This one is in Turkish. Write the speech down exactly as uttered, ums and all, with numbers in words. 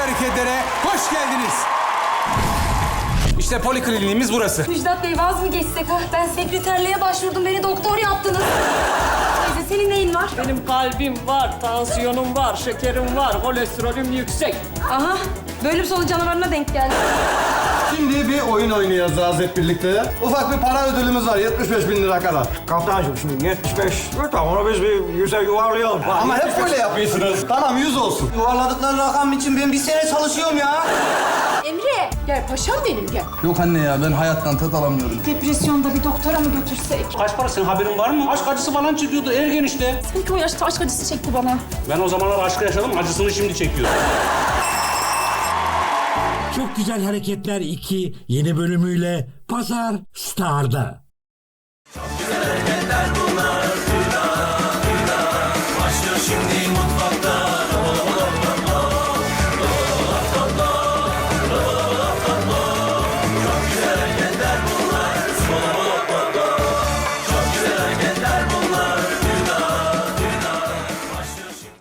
hareketlere hoş geldiniz. İşte polikliniğimiz burası. Müjdat Bey vaz mı geçsek ha? Ben sekreterliğe başvurdum, beni doktor yaptınız. Teyze senin neyin var? Benim kalbim var, tansiyonum var, şekerim var, kolesterolüm yüksek. Aha, böyle bir solu canavarına denk geldi. Şimdi bir oyun oynayacağız hep birlikte. Ufak bir para ödülümüz var, yetmiş beş bin lira kadar. Kaptancığım şimdi yetmiş beş. Tamam onu biz bir yüze yuvarlayalım. Ama hep böyle yapıyorsunuz. Tamam, yüz olsun. Yuvarladıkları rakam için ben bir sene çalışıyorum ya. Emre, gel paşam benim gel. Yok anne ya, ben hayattan tat alamıyorum. Depresyonda bir doktora mı götürsek? Kaç para, senin haberin var mı? Aşk acısı falan çekiyordu ergen işte. Sanki o yaşta aşk acısı çekti bana. Ben o zamanlar aşkı yaşadım, acısını şimdi çekiyorum. Çok Güzel Hareketler iki yeni bölümüyle Pazar Star'da.